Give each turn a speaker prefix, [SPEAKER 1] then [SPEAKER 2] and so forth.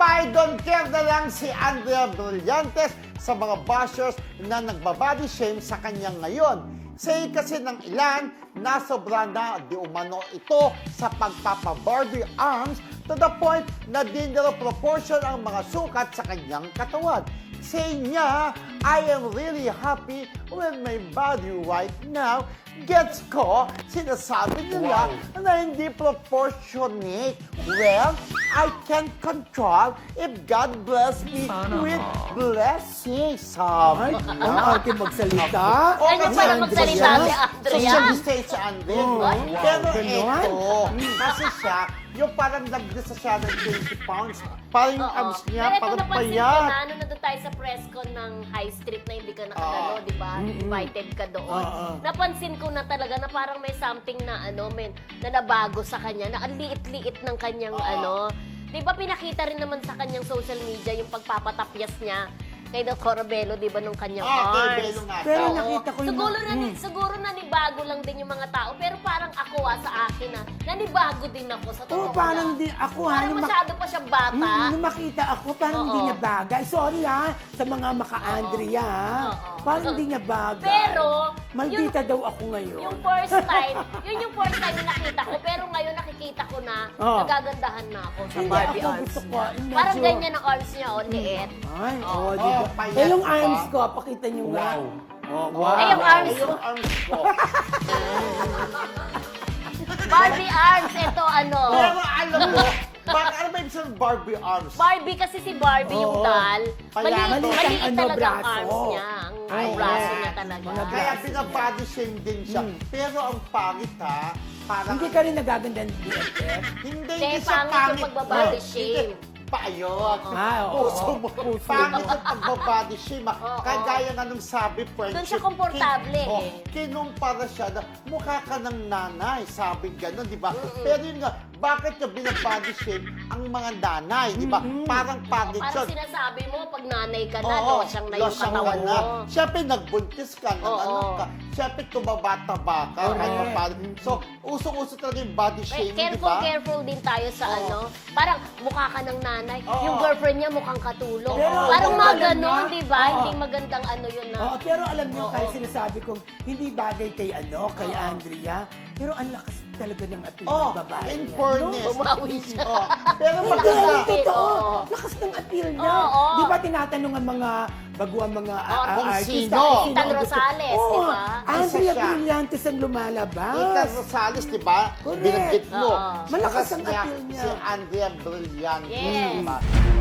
[SPEAKER 1] Abay, don't care na lang si Andrea Brillantes sa mga bashers na nagbabody shame sa kanya ngayon. Say kasi ng ilan, nasobra na di umano ito sa pagpapa-Barbie arms to the point na di nila proportion ang mga sukat sa kanyang katawan. Say niya, I am really happy with my body right now. Gets ko, sinasabi nila na hindi proportionate. Well, I can control if God bless me with blessings. Sabi
[SPEAKER 2] Ang
[SPEAKER 1] niya.
[SPEAKER 2] arte magsalita.
[SPEAKER 3] Ganyan pala magsalita si Andrea.
[SPEAKER 1] Social distance si Andrea. Pero
[SPEAKER 2] ganon.
[SPEAKER 1] ito, kasi siya, yung parang nagdasa siya ng 20 pounds. Parang yung abs niya,
[SPEAKER 3] Pero ito
[SPEAKER 1] parang
[SPEAKER 3] napansin ko
[SPEAKER 1] payat.
[SPEAKER 3] na, ano na doon tayo sa press con ng High Street na hindi ka nakadalo, di ba? Invited ka doon. Napansin ko na talaga na parang may something na na nabago sa kanya, na ang liit-liit ng kanyang Di ba pinakita rin naman sa kanyang social media yung pagpapatapyas niya kay Doc Corabello, di ba, nung kanyang
[SPEAKER 1] Kay
[SPEAKER 3] arms.
[SPEAKER 1] Belo nga.
[SPEAKER 2] Pero
[SPEAKER 3] Oo.
[SPEAKER 2] nakita ko yung
[SPEAKER 3] Siguro nanibago lang din yung mga tao, pero parang ako sa akin nanibago din ako sa totoo
[SPEAKER 2] Oo, parang
[SPEAKER 3] lang.
[SPEAKER 2] di ako
[SPEAKER 3] Parang masyado pa siyang bata.
[SPEAKER 2] Nung makita ako, parang hindi
[SPEAKER 3] Oo.
[SPEAKER 2] niya bagay. Sorry sa mga maka-Andrea
[SPEAKER 3] Oo.
[SPEAKER 2] Parang hindi niya bagay.
[SPEAKER 3] Pero,
[SPEAKER 2] maldita daw ako ngayon.
[SPEAKER 3] Yung first time, yun yung first time na nakita ko, pero ngayon nakikita ko na nagagandahan na ako sa
[SPEAKER 2] Hindi,
[SPEAKER 3] Barbie
[SPEAKER 2] ako
[SPEAKER 3] arms
[SPEAKER 2] gusto ko,
[SPEAKER 3] niya.
[SPEAKER 2] medyo-
[SPEAKER 3] Parang ganyan ang arms niya, liit.
[SPEAKER 2] Ay,
[SPEAKER 3] Oo.
[SPEAKER 2] di ba?
[SPEAKER 1] payat
[SPEAKER 2] Eh, yung
[SPEAKER 1] pa.
[SPEAKER 2] arms ko, pakita niyo nga. Oh, wow.
[SPEAKER 3] Ay, yung arms
[SPEAKER 1] Ay, yung arms ko.
[SPEAKER 3] Barbie arms, ito
[SPEAKER 1] Pero alam mo, ano ba yung sabihin Barbie arms?
[SPEAKER 3] Barbie kasi si Barbie yung
[SPEAKER 2] Oo.
[SPEAKER 3] doll.
[SPEAKER 1] Kaya
[SPEAKER 3] Maliit
[SPEAKER 2] maliit ang
[SPEAKER 3] talaga ang
[SPEAKER 2] braso.
[SPEAKER 3] arms niya. Ang
[SPEAKER 2] Oo.
[SPEAKER 3] braso niya talaga.
[SPEAKER 2] Mga
[SPEAKER 1] Kaya
[SPEAKER 2] braso
[SPEAKER 1] pinabody shame din siya. Pero ang pangit parang...
[SPEAKER 2] Hindi ka rin nagaganda ng BFF?
[SPEAKER 1] Hindi,
[SPEAKER 3] Hindi,
[SPEAKER 1] siya
[SPEAKER 3] pangit yung pagbabody shame.
[SPEAKER 1] Paayot.
[SPEAKER 2] Oo.
[SPEAKER 1] Puso mo.
[SPEAKER 2] Puso
[SPEAKER 1] Pangit
[SPEAKER 2] mo.
[SPEAKER 1] yung pagbabody shame.
[SPEAKER 3] Oo.
[SPEAKER 1] Kagaya nga nung sabi, friendship.
[SPEAKER 3] Doon siya komportable
[SPEAKER 1] Kinumpara siya na mukha ka ng nanay. Sabi gano'n, di ba? Pero yun nga, bakit niya binabody shame ang mga nanay, di ba? Parang pangit
[SPEAKER 3] Parang
[SPEAKER 1] yun.
[SPEAKER 3] sinasabi mo, pag nanay ka na,
[SPEAKER 1] Oo,
[SPEAKER 3] losyang na yung
[SPEAKER 1] losyang
[SPEAKER 3] katawan
[SPEAKER 1] ka na.
[SPEAKER 3] mo.
[SPEAKER 1] Siyempre, nagbuntis ka,
[SPEAKER 3] Oo.
[SPEAKER 1] ka. Siyempre, tumabata-ba ka. So, usong-uso talaga yung body shaming, di ba?
[SPEAKER 3] Careful din tayo sa parang mukha ka ng nanay.
[SPEAKER 1] Oo.
[SPEAKER 3] Yung girlfriend niya mukhang katulong.
[SPEAKER 2] Pero
[SPEAKER 3] Parang
[SPEAKER 2] alam
[SPEAKER 3] mga
[SPEAKER 2] niyo,
[SPEAKER 3] ganon, di ba?
[SPEAKER 2] oo.
[SPEAKER 3] Hindi magandang yun na.
[SPEAKER 2] Oo, pero alam niyo, kahit sinasabi kong hindi bagay kay Andrea, pero ang lakas talaga ng appeal ng babae
[SPEAKER 1] in
[SPEAKER 2] niya.
[SPEAKER 1] fairness.
[SPEAKER 3] Bumawi siya.
[SPEAKER 1] Pero
[SPEAKER 2] Hindi,
[SPEAKER 1] maganda.
[SPEAKER 2] totoo.
[SPEAKER 3] Oo.
[SPEAKER 2] Lakas ng appeal niya.
[SPEAKER 3] Oo.
[SPEAKER 2] Di ba tinatanong ang mga baguang mga
[SPEAKER 1] kung
[SPEAKER 2] artista?
[SPEAKER 1] sino.
[SPEAKER 2] kung
[SPEAKER 3] Ethan
[SPEAKER 2] ang gusto-
[SPEAKER 3] Rosales,
[SPEAKER 2] Oo,
[SPEAKER 3] di ba?
[SPEAKER 2] Andrea
[SPEAKER 1] Isa siya.
[SPEAKER 2] Brillantes ang lumalabas.
[SPEAKER 1] Ika Rosales, di ba?
[SPEAKER 2] Correct.
[SPEAKER 1] Binanggit mo.
[SPEAKER 3] Oo.
[SPEAKER 2] Malakas ang
[SPEAKER 1] Bakas
[SPEAKER 2] appeal niya.
[SPEAKER 1] Si Andrea Brillantes,
[SPEAKER 3] Yes.
[SPEAKER 1] di ba?